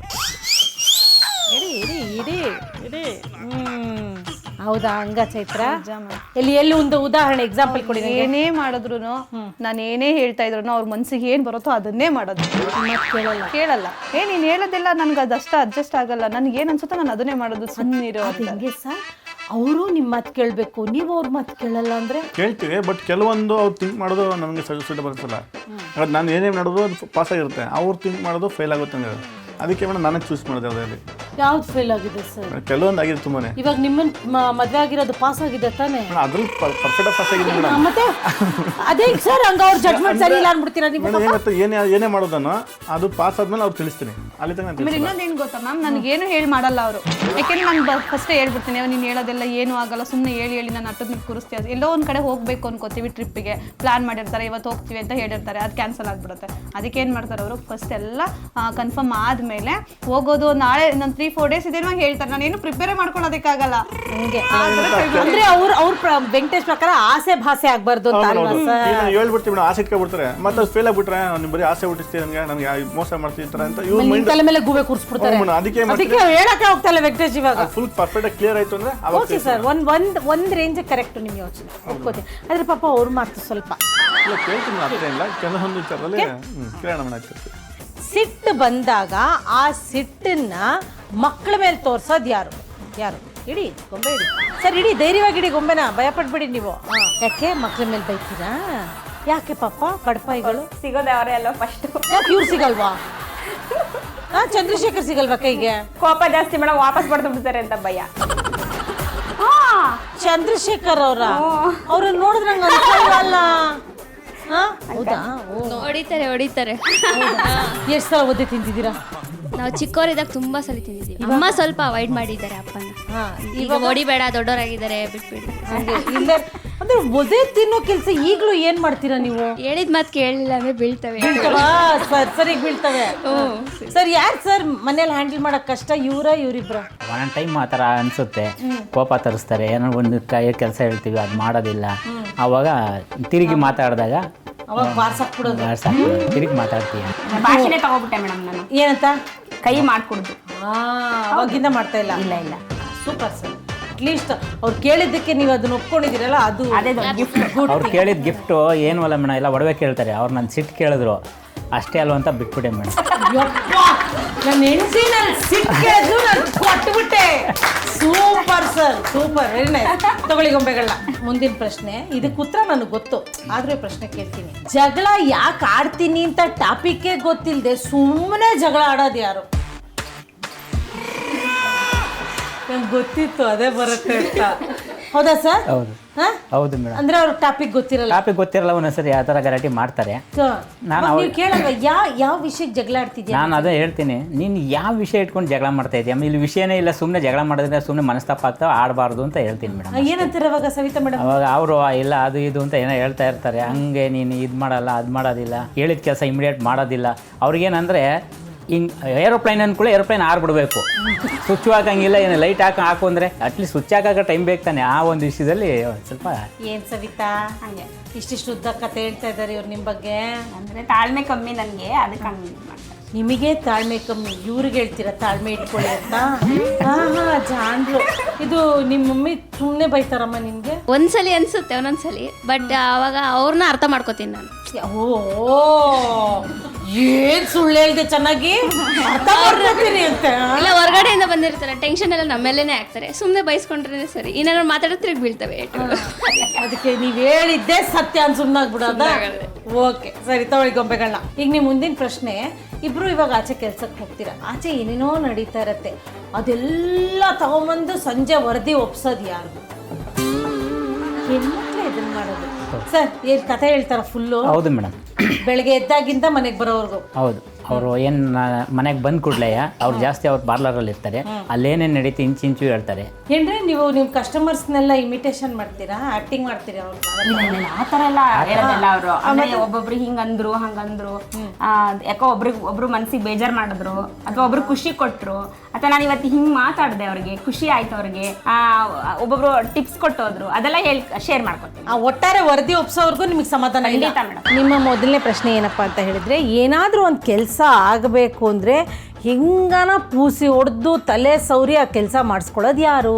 A: ಇಡಿ ಇಡಿ ಇಡಿ ಇಡಿ ಹ್ಮ್ ಹೌದಾ? ಹಂಗ ಚೈತ್ರ ಎಲ್ಲಿ ಎಲ್ಲಿ ಒಂದು ಉದಾಹರಣೆ ಎಕ್ಸಾಂಪಲ್ ಕೊಡಿ.
C: ಏನೇ ಮಾಡಿದ್ರು ನಾನು ಏನೇ ಹೇಳ್ತಾ ಇದ್ರು ಅವ್ರ ಮನ್ಸಿಗೆ ಏನ್ ಬರುತ್ತೋ ಅದನ್ನೇ ಮಾಡೋದು. ಕೇಳಲ್ಲ ಕೇಳಲ್ಲ ಏ ನೀನ್ ಹೇಳೋದಿಲ್ಲ ನನ್ಗೆ ಅದಷ್ಟ ಅಡ್ಜಸ್ಟ್ ಆಗಲ್ಲ, ನನ್ಗೆ ಏನ್ ಅನ್ಸುತ್ತೋ ನಾನು ಅದನ್ನೇ ಮಾಡೋದು. ಸುಮ್ಮನಿರೋ.
A: ಹೆಂಗೆ ಸರ್? ಅವರು ನಿಮ್ಮ ಮಾತು ಕೇಳಬೇಕು, ನೀವು ಅವ್ರ ಮಾತು ಕೇಳಲ್ಲ ಅಂದ್ರೆ?
G: ಕೇಳ್ತೀವಿ, ಬಟ್ ಕೆಲವೊಂದು ಅವ್ರು ಥಿಂಕ್ ಮಾಡೋದು ನಮಗೆ ಸೂಟಬಲ್ ಅನ್ಸಲ್ಲ. ನಾನು ಏನೇನು ಮಾಡೋದು ಅದು ಪಾಸ್ ಆಗಿರುತ್ತೆ, ಅವ್ರು ಥಿಂಕ್ ಮಾಡೋದು ಫೇಲ್ ಆಗುತ್ತೆ ಅಂದ್ರೆ ಅದಕ್ಕೆ ಮೇಡಮ್ ನಾನೇ ಚೂಸ್ ಮಾಡಿದೆ. ಅದರಲ್ಲಿ
A: ಯಾವ್ದು ಫೇಲ್ ಆಗಿದೆ ಸರ್?
G: ಕೆಲವೊಂದು ಆಗಿದೆ ತುಂಬಾನೇ.
A: ಇವಾಗ ನಿಮ್ಮನ್ನ ಮದುವೆ ಆಗಿರೋದು ಪಾಸ್ ಆಗಿದೆ ತಾನೇ?
G: ಅದ್ರಲ್ಲಿ ಪರ್ಫೆಕ್ಟ್ ಪಾಸ್ ಆಗಿದೆ ಮೇಡಮ್.
A: ಮತ್ತೆ ಅದೇ ಸರ್ ಹಂಗ ಅವ್ರ ಜಡ್ಜ್ಮೆಂಟ್ ಸರಿ ಇಲ್ಲ ಅನ್ಬಿಡ್ತೀರಾ ನೀವು?
G: ಮೇಡಮ್ ಏನಾಗುತ್ತೆ, ಏನೇ ಏನೇ ಮಾಡೋದನ್ನು ಅದು ಪಾಸ್ ಆದ್ಮೇಲೆ ಅವ್ರು ತಿಳಿಸ್ತೀನಿ, ಅಲ್ಲಿ ತನಕ
C: ಆಮೇಲೆ ಇನ್ನೊಂದೇನು ಗೊತ್ತಾ ಮ್ಯಾಮ್, ನನಗೇನು ಹೇಳಿ ಮಾಡಲ್ಲ ಅವರು. ಯಾಕೆಂದ್ರೆ ನಾನು ಫಸ್ಟೇ ಹೇಳ್ಬಿಡ್ತೀನಿ, ನೀನು ಹೇಳೋದೆಲ್ಲ ಏನೂ ಆಗಲ್ಲ, ಸುಮ್ಮನೆ ಹೇಳಿ ಹೇಳಿ ನಾನು ಅಟ್ಟದ ಮೇಲೆ ಕೂರಿಸ್ತೀವಿ. ಎಲ್ಲೋ ಒಂದು ಕಡೆ ಹೋಗಬೇಕು ಅನ್ಕೋತೀವಿ, ಟ್ರಿಪ್ಪಿಗೆ ಪ್ಲಾನ್ ಮಾಡಿರ್ತಾರೆ, ಇವತ್ತು ಹೋಗ್ತೀವಿ ಅಂತ ಹೇಳಿರ್ತಾರೆ, ಅದು ಕ್ಯಾನ್ಸಲ್ ಆಗಿಬಿಡುತ್ತೆ. ಅದಕ್ಕೆ ಏನು ಮಾಡ್ತಾರೆ ಅವರು, ಫಸ್ಟ್ ಎಲ್ಲ ಕನ್ಫರ್ಮ್ ಆದಮೇಲೆ ಹೋಗೋದು, ನಾಳೆ ನಾನು ತ್ರೀ ಫೋರ್ ಡೇಸ್ ಇದೇನೋ ಹೇಳ್ತಾರೆ, ನಾನು ಏನು ಪ್ರಿಪೇರ್ ಮಾಡ್ಕೊಳ್ಳೋದಕ್ಕಾಗಲ್ಲ.
A: ಹಂಗೆ ಅಂದ್ರೆ ಅವ್ರ ಅವ್ರ ವೆಂಕಟೇಶ್ ಪ್ರಕಾರ ಆಸೆ ಭಾಸೆ ಆಗ್ಬಾರ್ದು ಅಂತ ಅಲ್ವಾ ಸರ್?
G: ಹೇಳ್ಬಿಡ್ತೀವಿ ಮೇಡಮ್, ಆಸೆ ಇಟ್ಕೊಬಿಡ್ತಾರೆ, ಮತ್ತೆ ಅದು ಫೇಲ್ ಆಗ್ಬಿಟ್ರೆ ನೀವು ಬರೀ ಆಸೆ ಹುಟ್ಟಿಸ್ತೀವಿ, ನನಗೆ ನನಗೆ ಮೋಸ ಮಾಡ್ತೀನಿ ಅಂತ ಇವ್ರ ಮೈಂಡ್
A: ತಲೆ ಮೇಲೆ ಗೂಬೆ ಕೂರಿಸ್ಬಿಡ್ತಾರೆ.
G: ಅದಕ್ಕೆ
A: ಅದಕ್ಕೆ ಹೇಳಕ್ಕೆ ಹೋಗ್ತಾ ಇಲ್ಲ ವೆಂಕಟೇಶ್. ಇವಾಗ
G: ಫುಲ್ ಪರ್ಫೆಕ್ಟ್ ಕ್ಲಿಯರ್ ಆಯ್ತು ಅಂದ್ರೆ
A: ಓಕೆ ಸರ್, ಒಂದ್ ಒಂದ್ ಒಂದ್ ರೇಂಜ್ ಕರೆಕ್ಟ್ ನಿಮ್ಮ ಯೋಚನೆ ಒಪ್ಕೋತೀನಿ. ಆದ್ರೆ ಪಾಪ ಅವ್ರ ಮಾತು ಸ್ವಲ್ಪ
G: ಇಲ್ಲ ಕೇಳ್ತೀನಿ, ಅಷ್ಟೇ ಇಲ್ಲ, ಕೆಲವೊಂದು ವಿಚಾರದಲ್ಲಿ ಕೇಳೋಣ ಮೇಡಮ್.
A: ಸಿಟ್ಟು ಬಂದಾಗ ಆ ಸಿಟ್ಟನ್ನ ಮಕ್ಕಳ ಮೇಲೆ ತೋರ್ಸೋದು ಯಾರು? ಯಾರು? ಇಡಿ ಗೊಂಬೆ ಇಡಿ ಸರ್, ಇಡಿ ಧೈರ್ಯವಾಗಿ ಇಡಿ ಗೊಂಬೆನ, ಭಯ ಪಡ್ಬೇಡಿ ನೀವು. ಯಾಕೆ ಮಕ್ಕಳ ಮೇಲೆ ಬೈತೀರಾ? ಯಾಕೆ ಪಾಪ ಬಡಪಾಯಿಗಳು
H: ಸಿಗೋದೆ ಅವರೇ ಅಲ್ವಾ ಫಸ್ಟ್?
A: ಯಾಕೆ ಇವ್ರು ಸಿಗಲ್ವಾ? ಹಾ, ಚಂದ್ರಶೇಖರ್ ಸಿಗಲ್ವಾ ಕೈಗೆ?
H: ಕೋಪ ಜಾಸ್ತಿ ಮೇಡಮ್, ವಾಪಸ್ ಬರ್ದು ಬಿಡ್ತಾರೆ ಅಂತ ಭಯ.
A: ಚಂದ್ರಶೇಖರ್ ಅವರ ಅವ್ರನ್ನ ನೋಡಿದ್ರೆ ನಂಗೆ ಅನ್ಸಲ್ವಲ್ಲ. ಹಾ ಹೌದಾ?
I: ಹೊಡಿತಾರೆ ಹೊಡಿತಾರೆ.
A: ಎಷ್ಟು ಸಲ ಒದ್ದೆ ತಿಂತಿದ್ದೀರಾ?
I: ನಾವು ಚಿಕ್ಕವರಿದ್ದಾಗ ತುಂಬಾ ಸಲ ತಿಂದಿದ್ದೀವಿ. ಅಮ್ಮ ಸ್ವಲ್ಪ ಅವಾಯ್ಡ್ ಮಾಡಿದ್ದಾರೆ ಅಪ್ಪನ. ಈಗ ಹೊಡಿಬೇಡ ದೊಡ್ಡವರಾಗಿದ್ದಾರೆ ಬಿಟ್ಬಿಡಿ
A: ಹಂಗೆ ಇಲ್ಲ ಅಂದ್ರೆ ಒದೇ ತಿನ್ನೋ ಕೆಲಸ ಈಗಲೂ ಏನ್ ಮಾಡ್ತೀರಾ ನೀವು?
I: ಹೇಳಿದ ಮಾತು ಕೇಳಲಿಲ್ಲ ಅಂದ್ರೆ ಬೀಳ್ತವೆ.
A: ಸರ್ ಸರಿಗೆ ಬೀಳ್ತವೆ. ಸರ್ ಯಾರು ಸರ್ ಮನೇಲಿ ಹ್ಯಾಂಡಲ್ ಮಾಡಕ್ ಕಷ್ಟ, ಇವರ ಇವರಿಬ್ರ?
J: ಒಂದೊಂದು ಟೈಮ್ ಆ ಥರ ಅನಿಸುತ್ತೆ, ಕೋಪ ತರಿಸ್ತಾರೆ, ಏನೋ ಒಂದು ಕೈ ಕೆಲಸ ಹೇಳ್ತೀವಿ ಅದು ಮಾಡೋದಿಲ್ಲ, ಆವಾಗ ತಿರುಗಿ ಮಾತಾಡಿದಾಗ
A: ಅವಾಗ ಬಾರ್ಸಾಕ್ಬಿಡೋದು.
J: ತಿರುಗಿ ಮಾತಾಡ್ತೀವಿ.
H: ಭಾಷೆನೇ ತಗೋಬಿಟ್ಟೆ ಮೇಡಮ್ ನಾನು.
A: ಏನಂತ?
H: ಕೈ ಮಾಡ್ಕೊಡುದು.
A: ಅವಾಗಿಂದ ಮಾಡ್ತಾ ಇಲ್ಲ? ಇಲ್ಲ ಇಲ್ಲ. Super sir. ಅಟ್ಲೀಸ್ಟ್ ಅವ್ರು ಕೇಳಿದ್ದಕ್ಕೆ ನೀವು ಅದನ್ನ ಒಪ್ಕೊಂಡಿದ್ದೀರಲ್ಲ, ಅದು
H: ಅದೇ ಗಿಫ್ಟ್.
J: ಅವ್ರು ಕೇಳಿದ ಗಿಫ್ಟು ಏನು ಅಲ್ಲ ಮೇಡಮ್, ಎಲ್ಲ ಒಡವೆ ಕೇಳ್ತಾರೆ. ಅವ್ರು ನನ್ನ ಸಿಟ್ಟು ಕೇಳಿದ್ರು, ಅಷ್ಟೇ ಅಲ್ವ ಅಂತ ಬಿಟ್ಬಿಟ್ಟೆ ಮೇಡಮ್.
A: ನನ್ನ ಹೆಂಡತಿ ನನ್ನ ಸಿಟ್ಟು ಕೇಳಿದ್ರು ನಾನು ಕೊಟ್ಬಿಟ್ಟೆ. Super sir, super, very nice. ತಗೊಳ್ಳಿ ಗೊಂಬೆಗಳನ್ನ. ಮುಂದಿನ ಪ್ರಶ್ನೆ, ಇದಕ್ಕೆ ಉತ್ತರ ನನಗೆ ಗೊತ್ತು, ಆದ್ರೂ ಪ್ರಶ್ನೆ ಕೇಳ್ತೀನಿ. ಜಗಳ ಯಾಕೆ ಆಡ್ತೀನಿ ಅಂತ ಟಾಪಿಕ್ಕೇ ಗೊತ್ತಿಲ್ಲದೆ ಸುಮ್ಮನೆ ಜಗಳ ಆಡೋದು ಯಾರು? ನಂಗೆ ಗೊತ್ತಿತ್ತು ಅದೇ ಬರುತ್ತೆ ಅಂತ. ಹೌದಾ ಸರ್?
J: ಹೌದು ಹೌದು ಮೇಡಮ್.
A: ಅಂದ್ರೆ ಅವ್ರ ಟಾಪಿಕ್ ಗೊತ್ತಿರಲ್ಲ.
J: ಟಾಪಿಕ್ ಗೊತ್ತಿರಲ್ಲ, ಒಂದೊಂದ್ಸರಿ ಯಾವ ಥರ ಗಲಾಟೆ ಮಾಡ್ತಾರೆ.
A: ನಾನು ನೀವು ಕೇಳಲ್ವ ಯಾವ ಯಾವ ವಿಷಯಕ್ಕೆ ಜಗಳ ಆಡ್ತಿದ್ಯಾ?
J: ನಾನು ಅದೇ ಹೇಳ್ತೀನಿ, ನೀನು ಯಾವ ವಿಷಯ ಇಟ್ಕೊಂಡು ಜಗಳ ಮಾಡ್ತಾ ಇದೆಯಾ? ಇಲ್ಲಿ ವಿಷಯನೇ ಇಲ್ಲ, ಸುಮ್ಮನೆ ಜಗಳ ಮಾಡಿದ್ರೆ ಸುಮ್ಮನೆ ಮನಸ್ತಾಪ ಆಗ್ತಾವೆ, ಆಡಬಾರ್ದು ಅಂತ ಹೇಳ್ತೀನಿ ಮೇಡಮ್.
A: ಏನಂತಾರೆ ಅವಾಗ ಸವಿತಾ ಮೇಡಮ್?
J: ಅವಾಗ ಅವರು ಇಲ್ಲ ಅದು ಇದು ಅಂತ ಏನೋ ಹೇಳ್ತಾ ಇರ್ತಾರೆ. ಹಂಗೆ ನೀನು ಇದು ಮಾಡಲ್ಲ, ಅದು ಮಾಡೋದಿಲ್ಲ, ಹೇಳಿದ ಕೆಲಸ ಇಮಿಡಿಯೇಟ್ ಮಾಡೋದಿಲ್ಲ. ಅವ್ರಿಗೇನಂದರೆ ಹಿಂಗೆ ಏರೋಪ್ಲೈನ್ ಅಂದ್ಕೊಳ್ಳಿ, ಏರೋಪ್ಲೈನ್ ಆರ್ಬಿಡ್ಬೇಕು, ಸ್ವಿಚ್ ಹಾಕಂಗಿಲ್ಲ, ಏನು ಲೈಟ್ ಹಾಕಿ ಹಾಕು ಅಂದರೆ ಅಟ್ಲೀಸ್ಟ್ ಸ್ವಿಚ್ ಹಾಕೋ ಟೈಮ್ ಬೇಕು ತಾನೆ. ಆ ಒಂದು ವಿಷಯದಲ್ಲಿ ಸ್ವಲ್ಪ
A: ಏನು ಸವಿತಾ ಹಂಗೆ ಇಷ್ಟಿಷ್ಟು ಉದ್ದ ಕತೆ ಹೇಳ್ತಾ ಇದ್ದಾರೆ ಇವ್ರು ನಿಮ್ಮ ಬಗ್ಗೆ?
H: ಅಂದ್ರೆ ತಾಳ್ಮೆ ಕಮ್ಮಿ ನನಗೆ, ಅದಕ್ಕೆ ಹಂಗೆ ಮಾಡ್ತಾರೆ.
A: ನಿಮಗೆ ತಾಳ್ಮೆ ಕಮ್ಮಿ, ಇವ್ರಿಗೆ ಹೇಳ್ತೀರಾ ತಾಳ್ಮೆ ಇಟ್ಕೊಳ್ಳಿ ಅಂತ? ಹಾ ಹಾ ಜಾನ್ರು. ಇದು ನಿಮ್ಮ ಮಮ್ಮಿ ಸುಮ್ಮನೆ ಬೈತಾರಮ್ಮ ನಿಮಗೆ?
I: ಒಂದ್ಸಲಿ ಅನ್ಸುತ್ತೆ ಒಂದೊಂದ್ಸಲಿ, ಬಟ್ ಅವಾಗ ಅವ್ರನ್ನ ಅರ್ಥ ಮಾಡ್ಕೋತೀನಿ ನಾನು.
A: ಓ ಏನ್ ಸುಳ್ಳು ಹೇಳ್ದೆ, ಚೆನ್ನಾಗಿ ಅರ್ಥ ಮಾಡ್ಕೊತೀನಿ ಅಂತ.
I: ಇಲ್ಲ, ಹೊರಗಡೆಯಿಂದ ಬಂದಿರ್ತಾರೆ, ಟೆನ್ಷನ್ ಎಲ್ಲ ನಮ್ಮೇಲೇನೆ ಆಗ್ತಾರೆ, ಸುಮ್ಮನೆ ಬೈಸ್ಕೊಂಡ್ರೆ ಸರಿ, ಏನಾದ್ರು ಮಾತಾಡಿದ್ರೆ ತಿರುಗಿ ಬೀಳ್ತವೆ.
A: ಅದಕ್ಕೆ ನೀವ್ ಹೇಳಿದ್ದೆ ಸತ್ಯ ಅಂತ ಸುಮ್ಮನಾಗ್ಬಿಡೋದ? ಓಕೆ ಸರಿ, ತಗೊಳ್ಳಿ ಗೊಂಬೆಗಳನ್ನ. ಈಗ ನೀವು ಮುಂದಿನ ಪ್ರಶ್ನೆ, ಇಬ್ರು ಇವಾಗ ಆಚೆ ಕೆಲ್ಸಕ್ಕೆ ಹೋಗ್ತೀರಾ, ಆಚೆ ಏನೇನೋ ನಡೀತಾ ಇರತ್ತೆ, ಅದೆಲ್ಲ ತಗೊಂಬಂದು ಸಂಜೆ ವರದಿ ಒಪ್ಸೋದು ಯಾರು? ಹೆಣ್ಮಕ್ಳೇ ಇದನ್ನ ಮಾಡೋದು. ಸರ್ ಏನ್ ಕತೆ ಹೇಳ್ತಾರ ಫುಲ್ಲು?
J: ಹೌದು ಮೇಡಮ್.
A: ಬೆಳಗ್ಗೆ ಎದ್ದಾಗಿಂದ ಮನೆಗೆ ಬರೋವರೆಗೂ?
J: ಹೌದು. ಅವರು ಏನು ಮನೆಗೆ ಬಂದ ಕೂಡಲೇ ಅವ್ರು ಜಾಸ್ತಿ ಅವ್ರು ಪಾರ್ಲರಲ್ಲಿ ಇರ್ತಾರೆ, ಅಲ್ಲೇನೇನು ನಡೀತಿ ಇಂಚು ಇಂಚು ಹೇಳ್ತಾರೆ.
A: ಏನ್ರಿ ನೀವು ನಿಮ್ಮ ಕಸ್ಟಮರ್ಸ್ನೆಲ್ಲ ಇಮಿಟೇಷನ್ ಮಾಡ್ತೀರಾ, ಆಕ್ಟಿಂಗ್ ಮಾಡ್ತೀರಾ? ಅವ್ರು
H: ಆ ಥರ ಎಲ್ಲ ಹೇಳೋದಿಲ್ಲ ಅವರು. ಆಮೇಲೆ ಒಬ್ಬೊಬ್ರು ಹಿಂಗಂದ್ರು ಹಂಗಂದ್ರು, ಯಾಕೋ ಒಬ್ರಿಗೆ ಒಬ್ರು ಮನ್ಸಿಗೆ ಬೇಜಾರು ಮಾಡಿದ್ರು, ಅಥವಾ ಒಬ್ರು ಖುಷಿ ಕೊಟ್ಟರು, ಅಥವಾ ನಾನು ಇವತ್ತು ಹಿಂಗೆ ಮಾತಾಡಿದೆ, ಅವ್ರಿಗೆ ಖುಷಿ ಆಯ್ತು, ಅವ್ರಿಗೆ ಒಬ್ಬೊಬ್ರು ಟಿಪ್ಸ್ ಕೊಟ್ಟೋದ್ರು, ಅದೆಲ್ಲ ಹೇಳಿ ಶೇರ್ ಮಾಡ್ಕೊತೀನಿ.
A: ಆ ಒಟ್ಟಾರೆ ವರದಿ ಒಪ್ಸೋವರೆಗೂ ನಿಮಗೆ ಸಮಾಧಾನ ಇಲ್ಲ? ನಿಮ್ಮ ಮೊದಲನೇ ಪ್ರಶ್ನೆ ಏನಪ್ಪಾ ಅಂತ ಹೇಳಿದ್ರೆ, ಏನಾದರೂ ಒಂದು ಕೆಲಸ ಆಗಬೇಕು ಅಂದರೆ ಹಿಂಗನ ಪೂಸಿ ಹೊಡೆದು ತಲೆ ಸೌರಿ ಆ ಕೆಲಸ ಮಾಡಿಸ್ಕೊಳ್ಳೋದು ಯಾರು?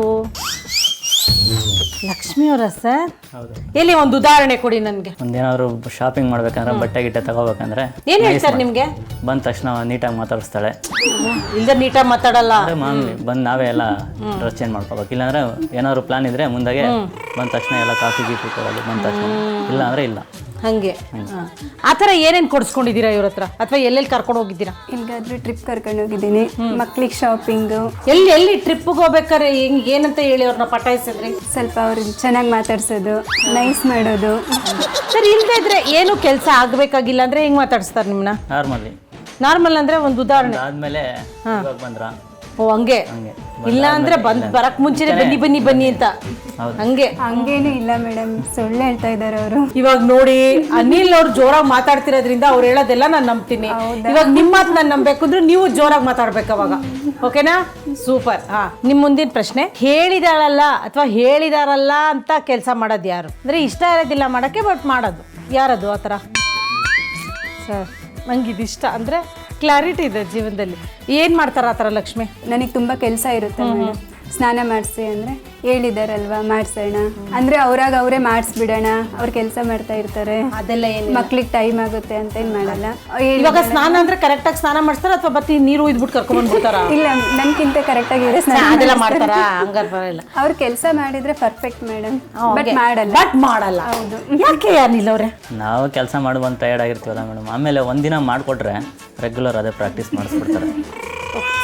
A: ಲಕ್ಷ್ಮಿ ಅವರ ಸರ್? ಎಲ್ಲಿ ಒಂದು ಉದಾಹರಣೆ ಕೊಡಿ ನನಗೆ.
J: ಒಂದೇನಾದ್ರು ಶಾಪಿಂಗ್ ಮಾಡ್ಬೇಕಂದ್ರೆ, ಬಟ್ಟೆ ಗಿಟ್ಟೆ ತಗೋಬೇಕಂದ್ರೆ
A: ಏನು ಹೇಳ್ತಾರೆ ನಿಮಗೆ?
J: ಬಂದ ತಕ್ಷಣ ನೀಟಾಗಿ ಮಾತಾಡಿಸ್ತಾಳೆ.
A: ಇಲ್ಲದೆ ನೀಟಾಗಿ ಮಾತಾಡಲ್ಲ?
J: ಮಾಮೂಲಿ ಬಂದು ನಾವೇ ಎಲ್ಲ ಡ್ರೆಸ್ ಚೇಂಜ್ ಮಾಡ್ಕೋಬೇಕು. ಇಲ್ಲಾಂದ್ರೆ ಏನಾದ್ರು ಪ್ಲಾನ್ ಇದ್ರೆ ಮುಂದಾಗೆ ಬಂದ ತಕ್ಷಣ ಎಲ್ಲ ಕಾಫಿ ಗೀಫಿ ಕೊಡೋದು ಬಂದ ತಕ್ಷಣ, ಇಲ್ಲ ಅಂದ್ರೆ ಇಲ್ಲ.
A: ಹಂಗೆ ಆ ಥರ ಏನೇನು ಕೊಡಿಸ್ಕೊಂಡಿದ್ದೀರಾ ಇವ್ರ ಹತ್ರ, ಅಥವಾ ಎಲ್ಲೆಲ್ಲಿ ಕರ್ಕೊಂಡು ಹೋಗಿದ್ದೀರಾ?
K: ಎಲ್ಲಿಗಾದ್ರೂ ಟ್ರಿಪ್ ಕರ್ಕೊಂಡು ಹೋಗಿದ್ದೀನಿ, ಮಕ್ಳಿಗೆ ಶಾಪಿಂಗು.
A: ಎಲ್ಲಿ ಎಲ್ಲಿ ಟ್ರಿಪ್ಗೆ ಹೋಗ್ಬೇಕಾರೆ ಹೆಂಗೆ ಏನಂತ ಹೇಳಿ ಅವ್ರನ್ನ ಪಟಾಯಿಸಿದ್ರಿ?
K: ಸ್ವಲ್ಪ ಅವ್ರಿಗೆ ಚೆನ್ನಾಗಿ ಮಾತಾಡ್ಸೋದು, ನೈಸ್ ಮಾಡೋದು.
A: ಸರ್ ಇಲ್ಲದೆ ಇದ್ರೆ ಏನು ಕೆಲಸ ಆಗಬೇಕಾಗಿಲ್ಲ ಅಂದರೆ ಹೆಂಗೆ ಮಾತಾಡಿಸ್ತಾರೆ ನಿಮ್ಮನ್ನ?
J: ನಾರ್ಮಲಿ.
A: ನಾರ್ಮಲ್ ಅಂದರೆ ಒಂದು ಉದಾಹರಣೆ.
J: ಆದ್ಮೇಲೆ ಬಂದ್ರ
A: ಓ ಹಂಗೆ, ಇಲ್ಲ ಅಂದ್ರೆ ಬಂದ್ ಬರಕ್ ಮುಂಚೆನೆ ಬನ್ನಿ ಬನ್ನಿ ಬನ್ನಿ ಅಂತ ಹಂಗೆ?
K: ಹಂಗೇನು ಇಲ್ಲ ಮೇಡಮ್, ಸುಳ್ಳು ಹೇಳ್ತಾ ಇದ್ದಾರೆ ಅವರು.
A: ಇವಾಗ ನೋಡಿ ಅನಿಲ್ ಅವ್ರು ಜೋರಾಗಿ ಮಾತಾಡ್ತಿರೋದ್ರಿಂದ ಅವ್ರು ಹೇಳೋದೆಲ್ಲ ನಾನು ನಂಬ್ತೀನಿ. ಇವಾಗ ನಿಮ್ಮ ಮಾತು ನಾನು ನಂಬಬೇಕು ಅಂದ್ರೆ ನೀವು ಜೋರಾಗಿ ಮಾತಾಡ್ಬೇಕು ಅವಾಗ, ಓಕೆನಾ? ಸೂಪರ್. ಹಾ, ನಿಮ್ ಮುಂದಿನ ಪ್ರಶ್ನೆ, ಹೇಳಿದಾಳಲ್ಲ ಅಥವಾ ಹೇಳಿದಾರಲ್ಲ ಅಂತ ಕೆಲಸ ಮಾಡೋದು ಯಾರು? ಅಂದ್ರೆ ಇಷ್ಟ ಇರೋದಿಲ್ಲ ಮಾಡಕ್ಕೆ, ಬಟ್ ಮಾಡೋದು ಯಾರದು ಆ ಥರ? ಸರ್ ನಂಗೆ ಇದಿಷ್ಟ ಅಂದರೆ ಕ್ಲಾರಿಟಿ ಇದೆ ಜೀವನದಲ್ಲಿ. ಏನು ಮಾಡ್ತಾರೆ ಆ ಥರ ಲಕ್ಷ್ಮಿ?
K: ನನಗೆ ತುಂಬ ಕೆಲಸ ಇರುತ್ತೆ ಮೇಡಮ್. ಸ್ನಾನ ಮಾಡಿಸಿ ಅಂದರೆ ಹೇಳಿದಾರಲ್ವಾ ಮಾಡಿಸೋಣ ಅಂದರೆ ಅವ್ರಾಗ ಅವರೇ ಮಾಡಿಸ್ಬಿಡೋಣ, ಅವ್ರು ಕೆಲಸ ಮಾಡ್ತಾ ಇರ್ತಾರೆ,
A: ಅದೆಲ್ಲ ಏನು
K: ಮಕ್ಳಿಗೆ ಟೈಮ್ ಆಗುತ್ತೆ ಅಂತ ಏನು ಮಾಡಲ್ಲ.
A: ಇವಾಗ ಸ್ನಾನ ಅಂದರೆ ಕರೆಕ್ಟಾಗಿ ಸ್ನಾನ ಮಾಡಿಸ್ತಾರ ಅಥವಾ ಮತ್ತೆ ನೀರು ಒಯ್ದ್ಬಿಟ್ಟು ಕರ್ಕೊಂಡ್ಬಂದ್ಬಿಡ್ತಾರ?
K: ಇಲ್ಲ, ನನ್ಗಿಂತ ಕರೆಕ್ಟಾಗಿ ಇರೋ ಸ್ನಾನ
A: ಅದೆಲ್ಲ ಮಾಡ್ತಾರಾ? ಹಂಗಾರೆ ಬರಲ್ಲ.
K: ಅವ್ರು ಕೆಲಸ ಮಾಡಿದ್ರೆ ಪರ್ಫೆಕ್ಟ್ ಮೇಡಮ್, ಬಟ್ ಮಾಡಲ್ಲ.
A: ಬಟ್ ಮಾಡಲ್ಲ. ಹೌದು. ಯಾಕೆ ಅನಿಲ್ ಅವರೇ?
J: ನಾವು ಕೆಲಸ ಮಾಡಿ ಬಂದು ಟಯರ್ಡ್ ಆಗಿರ್ತೀವಲ್ಲ ಮೇಡಮ್, ಆಮೇಲೆ ಒಂದಿನ ಮಾಡಿಕೊಟ್ರೆ ರೆಗ್ಯುಲರ್ ಅದೇ ಪ್ರಾಕ್ಟೀಸ್ ಮಾಡಿಸ್ಬಿಡ್ತಾರೆ.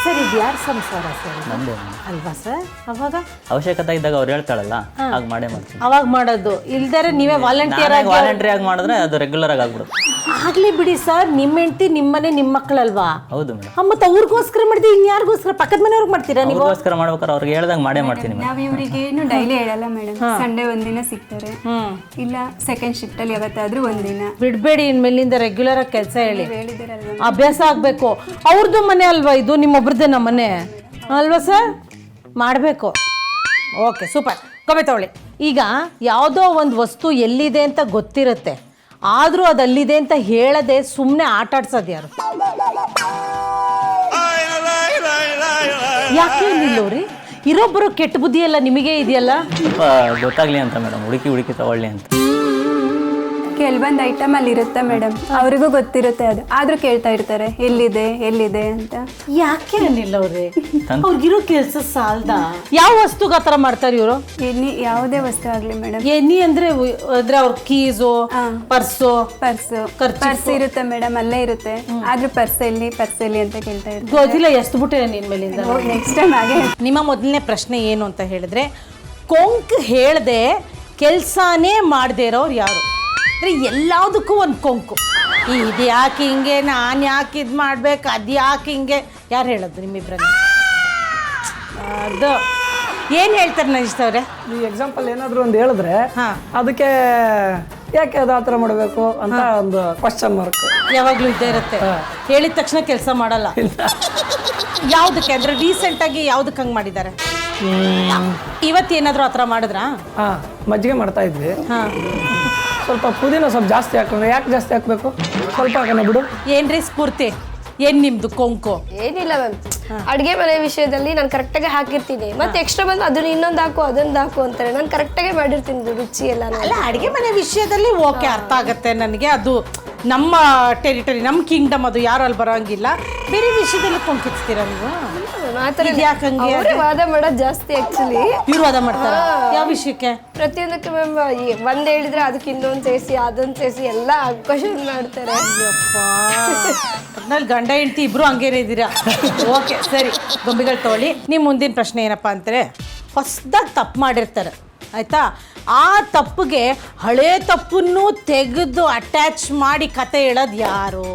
A: ಸರ್ ಇದು ಯಾರು ಸಂಸಾರ ಸರ್
J: ನಮ್ಮದೇ
A: ಅಲ್ವಾ ಸರ್? ಅವಾಗ
J: ಅವಶ್ಯಕತೆ ಇದ್ದಾಗ ಅವ್ರು ಹೇಳ್ತಾಳಲ್ಲ ಆಗ ಮಾಡೇ ಮಾಡ್ತೀನಿ.
A: ಅವಾಗ ಮಾಡೋದು ಇಲ್ದರೆ ನೀವೇ ವಾಲಂಟಿಯರ್ ಆಗಿ
J: ವಾಲಂಟ್ರಿ ಆಗಿ ಮಾಡಿದ್ರೆ ಅದು ರೆಗ್ಯುಲರ್ ಆಗಿ ಆಗ್ಬಿಡುತ್ತೆ.
A: ಆಗ್ಲಿ ಬಿಡಿ ಸರ್, ನಿಮ್ಮ ಹೆಂಡತಿ ನಿಮ್ಮನೆ ನಿಮ್ಮ ಮಕ್ಕಳಲ್ವಾ?
J: ಹೌದು ಮೇಡಮ್.
A: ಮತ್ತೆ ಅವ್ರಿಗೋಸ್ಕರ ಮಾಡಿದ್ರೆ ಇನ್ಯಾರಿಗೋಸ್ಕರ ಪಕ್ಕದ ಮನೆಯವ್ರಿಗೆ ಮಾಡ್ತೀರಾ ನೀವು?
J: ಅವ್ರಿಗೋಸ್ಕರ ಮಾಡ್ಬೇಕಾದ್ರೆ ಅವ್ರಿಗೆ ಹೇಳ್ದಂಗೆ ಮಾಡೇ ಮಾಡ್ತೀನಿ ಮೇಡಮ್.
K: ನಾವ್ ಇವ್ರಿಗೆ ಏನು ಡೈಲಿ ಹೇಳಲ್ಲ ಮೇಡಮ್. ಸಂಡೇ ಒಂದಿನ ಸಿಗ್ತಾರೆ, ಇಲ್ಲ ಸೆಕೆಂಡ್ ಶಿಫ್ಟ್ ಅಲ್ಲಿ ಯಾವತ್ತಾದ್ರೂ ಒಂದಿನ.
A: ಬಿಡ್ಬೇಡಿ, ಇನ್ಮೇಲಿಂದ ರೆಗ್ಯುಲರ್ ಆಗಿ ಕೆಲಸ ಹೇಳಿ,
K: ಹೇಳಿದಿರಲ್ವಾ
A: ಅಭ್ಯಾಸ ಆಗ್ಬೇಕು. ಅವ್ರದ್ದು ಮನೆ ಅಲ್ವಾ ಇದು, ನಿಮ್ಮೊಬ್ರದ್ದೇ ನಮ್ಮ ಮನೆ ಅಲ್ವಾ ಸರ್? ಮಾಡಬೇಕು. Okay super. ಕಮ್ಮಿ ತಗೊಳ್ಳಿ. ಈಗ ಯಾವುದೋ ಒಂದು ವಸ್ತು ಎಲ್ಲಿದೆ ಅಂತ ಗೊತ್ತಿರುತ್ತೆ, ಆದರೂ ಅದು ಅಲ್ಲಿದೆ ಅಂತ ಹೇಳದೆ ಸುಮ್ಮನೆ ಆಟ ಆಡ್ಸೋದು ಯಾರು? ಯಾಕೆ ನಿಲ್ಲೋರಿ? ಇರೊಬ್ಬರು ಕೆಟ್ಟ ಬುದ್ಧಿ ಎಲ್ಲ ನಿಮಗೆ ಇದೆಯಲ್ಲ?
J: ಸ್ವಲ್ಪ ಗೊತ್ತಾಗ್ಲಿ ಅಂತ ಮೇಡಮ್, ಹುಡುಕಿ ಹುಡುಕಿ ತಗೊಳ್ಳಿ ಅಂತ.
K: ಕೆಲವೊಂದು ಐಟಮ್ ಅಲ್ಲಿ ಇರುತ್ತೆ ಮೇಡಮ್, ಅವ್ರಿಗೂ ಗೊತ್ತಿರುತ್ತೆ ಅದು, ಆದ್ರೂ ಕೇಳ್ತಾ ಇರ್ತಾರೆ ಎಲ್ಲಿದೆ ಎಲ್ಲಿದೆ ಅಂತ.
A: ಯಾಕೆ ನಿಲ್ಲೋರಿ? ಅವ್ರಿಗಿರೋ ಕೆಲಸ ಸಾಲ್ದ? ಯಾವ ವಸ್ತುಗೆ ಆ ಥರ ಮಾಡ್ತಾರೆ ಇವರು?
K: ಎನಿ ಯಾವುದೇ ವಸ್ತು ಆಗ್ಲಿ ಮೇಡಮ್.
A: ಎನಿ ಅಂದ್ರೆ ಅಂದ್ರೆ ಅವ್ರ ಕೀಸು, ಪರ್ಸು
K: ಪರ್ಸು ಪರ್ಸ್ ಇರುತ್ತೆ ಮೇಡಮ್, ಅಲ್ಲೇ ಇರುತ್ತೆ, ಆದ್ರೂ ಪರ್ಸ್ ಎಲ್ಲಿ ಪರ್ಸ್ ಎಲ್ಲಿ ಅಂತ ಕೇಳ್ತಾ ಇರ್ತಾರೆ.
A: ಗೊತ್ತಿಲ್ಲ ಎಷ್ಟು ಬಿಟ್ಟೆ ನಿನ್ ಮೇಲಿಂದ.
K: ನೆಕ್ಸ್ಟ್ ಟೈಮ್ ಹಾಗೆ. ನಿಮ್ಮ
A: ಮೊದಲನೇ ಪ್ರಶ್ನೆ ಏನು ಅಂತ ಹೇಳಿದ್ರೆ, ಕೊಂಕ್ ಹೇಳ್ದೆ ಕೆಲ್ಸಾನೇ ಮಾಡದೇ ಇರೋರು ಯಾರು? ಅಂದ್ರೆ ಎಲ್ಲದಕ್ಕೂ ಒಂದು ಕೊಂಕು. ಇದು ಯಾಕೆ ಹಿಂಗೆ, ನಾನು ಯಾಕೆ ಇದು ಮಾಡ್ಬೇಕು, ಅದು ಯಾಕೆ ಹಿಂಗೆ, ಯಾರು ಹೇಳೋದು ನಿಮ್ಮಿಬ್ರಲ್ಲಿ? ಅದು ಏನು ಹೇಳ್ತಾರೆ ನಜಿಸ್ತವ್ರೆ?
L: ಈ ಎಕ್ಸಾಂಪಲ್ ಏನಾದರೂ ಒಂದು ಹೇಳಿದ್ರೆ ಅದಕ್ಕೆ ಯಾಕೆ ಅದು ಆ ಥರ ಮಾಡಬೇಕು ಅಂತ ಒಂದು ಕ್ವಶನ್ ಮಾರ್ಕ್
A: ಯಾವಾಗಲೂ ಇದ್ದೇ ಇರುತ್ತೆ. ಹೇಳಿದ ತಕ್ಷಣ ಕೆಲಸ ಮಾಡಲ್ಲ. ಯಾವುದಕ್ಕೆ ಅಂದರೆ ರೀಸೆಂಟಾಗಿ ಯಾವುದಕ್ಕೆ ಹಂಗೆ ಮಾಡಿದ್ದಾರೆ? ಇವತ್ತು ಏನಾದರೂ ಆ ಥರ ಮಾಡಿದ್ರಾ?
L: ಹಾಂ, ಮಜ್ಜಿಗೆ ಮಾಡ್ತಾ ಇದ್ವಿ.
A: ಹಾಂ,
L: ಸ್ವಲ್ಪ ಪುದೀನ ಸ್ವಲ್ಪ ಜಾಸ್ತಿ ಹಾಕೊಂಡ್ರೆ. ಯಾಕೆ ಜಾಸ್ತಿ ಹಾಕಬೇಕು? ಸ್ವಲ್ಪ ಹಾಕೋಣ ಬಿಡು.
A: ಏನ್ರಿ ಸ್ಫೂರ್ತಿ, ಏನು ನಿಮ್ಮದು ಕೊಂಕು?
M: ಏನಿಲ್ಲ ಮ್ಯಾಮ್, ಅಡುಗೆ ಮನೆ ವಿಷಯದಲ್ಲಿ ನಾನು ಕರೆಕ್ಟಾಗಿ ಹಾಕಿರ್ತೀನಿ, ಮತ್ತೆ ಎಕ್ಸ್ಟ್ರಾ ಬಂದು ಅದನ್ನ ಇನ್ನೊಂದು ಹಾಕು ಅದೊಂದು ಹಾಕು ಅಂತಾರೆ. ನಾನು ಕರೆಕ್ಟಾಗಿ ಮಾಡಿರ್ತೀನಿ ರುಚಿ ಎಲ್ಲ.
A: ಅಲ್ಲ, ಅಡುಗೆ ಮನೆ ವಿಷಯದಲ್ಲಿ ಓಕೆ, ಅರ್ಥ ಆಗುತ್ತೆ ನನಗೆ. ಅದು ನಮ್ಮ ಟೆರಿಟರಿ, ನಮ್ಮ ಕಿಂಗ್ಡಮ್, ಅದು ಯಾರು ಅಲ್ಲಿ ಬರೋಂಗಿಲ್ಲ. ಬೇರೆ ವಿಷಯದಲ್ಲಿ ಕೊಂಕಿಸ್ತೀರಾ ನೀವು?
M: ಅವರೇ ವಾದ ಮಾಡೋದು ಜಾಸ್ತಿ ಆಕ್ಚುಲಿ.
A: ಇವ್ರು ವಾದ ಮಾಡ್ತಾರೆ ಯಾವ ವಿಷಯಕ್ಕೆ?
M: ಪ್ರತಿಯೊಂದಕ್ಕೆ ಮ್ಯಾಮ್ ಒಂದ್ ಹೇಳಿದ್ರೆ ಅದಕ್ಕೆ ಇನ್ನೊಂದು ಸೇರಿಸಿ ಅದೊಂದು ಸೇರಿಸಿ ಎಲ್ಲ ಕ್ವಶನ್ ಮಾಡ್ತಾರೆ.
A: ಒಟ್ನಲ್ಲಿ ಗಂಡ ಹೆಂಡತಿ ಇಬ್ರು ಹಂಗೇನೆ ಇದ್ದೀರಾ? ಓಕೆ ಸರಿ, ಗೊಂಬೆಗಳು ತಗೊಳ್ಳಿ. ನಿಮ್ಮ ಮುಂದಿನ ಪ್ರಶ್ನೆ ಏನಪ್ಪ ಅಂತಾರೆ, ಹೊಸದಾಗಿ ತಪ್ಪು ಮಾಡಿರ್ತಾರೆ ಆಯಿತಾ, ಆ ತಪ್ಪಿಗೆ ಹಳೆ ತಪ್ಪನ್ನು ತೆಗೆದು ಅಟ್ಯಾಚ್ ಮಾಡಿ ಕತೆ ಹೇಳೋದು ಯಾರು?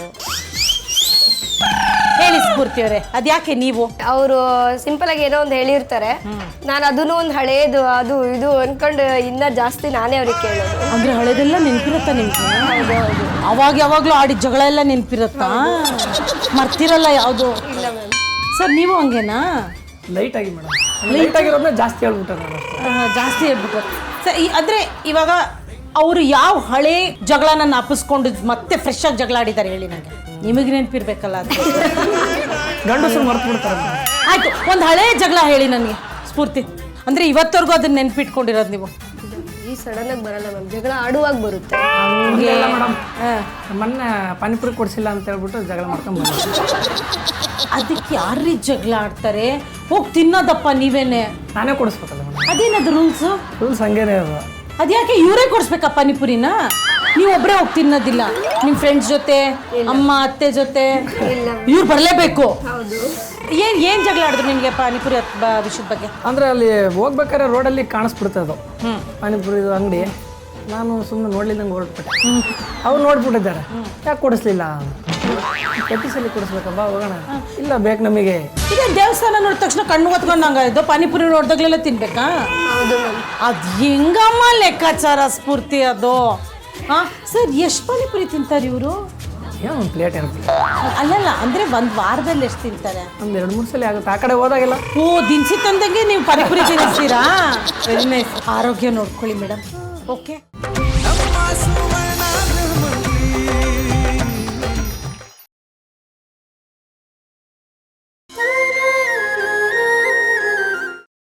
A: ಹೇಳಿ ಸ್ಫೂರ್ತಿಯವರೇ, ಅದ್ಯಾಕೆ ನೀವು?
M: ಅವರು ಸಿಂಪಲ್ ಆಗಿ ಏನೋ ಒಂದು ಹೇಳಿರ್ತಾರೆ, ನಾನು ಅದನ್ನು ಒಂದು ಹಳೇದು ಅದು ಇದು ಅನ್ಕೊಂಡು ಇನ್ನ ಜಾಸ್ತಿ ನಾನೇ ಅವ್ರಿಗೆ ಕೇಳೋದು.
A: ಅಂದ್ರೆ ಹಳೇದೆಲ್ಲ ನೆನಪಿರುತ್ತಾ ನಿಮ್ಗೆ? ಅವಾಗ ಯಾವಾಗಲೂ ಆಡಿದ ಜಗಳ ಎಲ್ಲ ನೆನಪಿರುತ್ತಾ? ಮರ್ತಿರಲ್ಲ ಯಾವುದು?
M: ಇಲ್ಲ ಮ್ಯಾಮ್.
A: ಸರ್ ನೀವು ಹಂಗೇನಾ?
L: ಲೈಟಾಗಿ ಮೇಡಮ್, ಲೈಟಾಗಿರೋದನ್ನ ಜಾಸ್ತಿ ಹೇಳ್ಬಿಟ್ಟೆ ನಾನು.
A: ಜಾಸ್ತಿ ಹೇಳ್ಬಿಟ್ಟು ಸರ್. ಅಂದರೆ ಇವಾಗ ಅವರು ಯಾವ ಹಳೆ ಜಗಳನ ನಾಪಿಸ್ಕೊಂಡು ಮತ್ತೆ ಫ್ರೆಶ್ ಆಗಿ ಜಗಳ ಆಡಿದ್ದಾರೆ ಹೇಳಿ ನನಗೆ. ನಿಮಗೆ ನೆನಪಿರ್ಬೇಕಲ್ಲ ಅದು.
L: ಗಂಡಸರು ಮರ್ತು ಬಿಡ್ತಾರೆ.
A: ಆಯ್ತು, ಒಂದು ಹಳೆ ಜಗಳ ಹೇಳಿ ನನಗೆ ಸ್ಫೂರ್ತಿ. ಅಂದರೆ ಇವತ್ತವರೆಗೂ ಅದನ್ನ ನೆನಪಿಟ್ಕೊಂಡಿರೋದು ನೀವು?
M: ಈ ಸಡನ್ ಆಗಿ ಬರಲ್ಲ ಮ್ಯಾಮ್, ಜಗಳ ಆಡುವಾಗ ಬರುತ್ತೆ.
L: ಮೇಡಮ್, ಮೊನ್ನೆ ಪಾನಿಪುರಿ ಕೊಡಿಸಿಲ್ಲ ಅಂತ ಹೇಳ್ಬಿಟ್ಟು ಜಗಳ ಮಾಡ್ಕೊಂಡು ಬಂದ.
A: ಅದಕ್ಕೆ ಯಾರೀ ಜಗಳ ಆಡ್ತಾರೆ? ಹೋಗಿ ತಿನ್ನೋದಪ್ಪ ನೀವೇನೆ.
L: ನಾನೇ ಕೊಡಿಸ್ಬೇಕಲ್ಲ ಮೇಡಮ್.
A: ಅದೇನದು ರೂಲ್ಸು?
L: ರೂಲ್ಸ್ ಹಂಗೇನೆ ಅದು.
A: ಅದ್ಯಾಕೆ ಇವರೇ ಕೊಡಿಸ್ಬೇಕಾ ಪಾನಿಪುರಿನ? ನೀವು ಒಬ್ಬರೇ ಹೋಗಿ ತಿನ್ನೋದಿಲ್ಲ, ನಿಮ್ಮ ಫ್ರೆಂಡ್ಸ್ ಜೊತೆ, ಅಮ್ಮ ಅತ್ತೆ ಜೊತೆ ಇವ್ರು ಬರಲೇಬೇಕು? ಏನು ಏನು ಜಗಳ ಆಡಿದ್ರು ನಿಮಗೆ ಪಾನಿಪುರಿ ವಿಷಯದ ಬಗ್ಗೆ?
L: ಅಂದರೆ ಅಲ್ಲಿ ಹೋಗ್ಬೇಕಾದ್ರೆ ರೋಡಲ್ಲಿ ಕಾಣಿಸ್ಬಿಡ್ತದೆ ಅದು ಪಾನಿಪುರಿ ಅಂಗಡಿ. ನಾನು ಸುಮ್ಮನೆ ನೋಡ್ಲಿಲ್ಲಂಗೆ ಹೊರಟ್ಬಿಟ್ಟೆ. ಅವ್ರು ನೋಡ್ಬಿಟ್ಟಿದ್ದಾರೆ, ಯಾಕೆ ಕೊಡಿಸ್ಲಿಲ್ಲ? ಪ್ರತಿ ಸಲ ಕೊಡಿಸ್ಬೇಕಬ್ಬಾ, ಹೋಗೋಣ. ಇಲ್ಲ ಬೇಕು ನಮಗೆ.
A: ಈಗ ದೇವಸ್ಥಾನ ನೋಡಿದ ತಕ್ಷಣ ಕಣ್ಣು ಹೊತ್ಕೊಂಡಂಗ ಇದು ಪಾನಿಪುರಿ ನೋಡ್ದಾಗ್ಲೆಲ್ಲ ತಿನ್ಬೇಕಾ? ಅದು ಹೆಂಗಮ್ಮ ಲೆಕ್ಕಾಚಾರ ಸ್ಫೂರ್ತಿ ಅದು? ಹಾಂ ಸರ್, ಎಷ್ಟು ಪಾನಿಪುರಿ ತಿಂತಾರೆ ಇವರು?
L: ಏನೋ ಒಂದು ಪ್ಲೇಟ್ ಇರುತ್ತೆ.
A: ಅಲ್ಲಲ್ಲ, ಅಂದರೆ ಒಂದು ವಾರದಲ್ಲಿ ಎಷ್ಟು ತಿಂತಾರೆ?
L: ಒಂದು ಎರಡು ಮೂರು ಸಲ ಆಗುತ್ತೆ. ಆ ಕಡೆ ಹೋದಾಗೆಲ್ಲ
A: ಓ, ದಿನಸಿ ತಂದಂಗೆ ನೀವು ಪಾನಿಪುರಿ ತಿನ್ನಿಸ್ತೀರಾ? Very nice. ಆರೋಗ್ಯ ನೋಡ್ಕೊಳ್ಳಿ ಮೇಡಮ್. ಓಕೆ.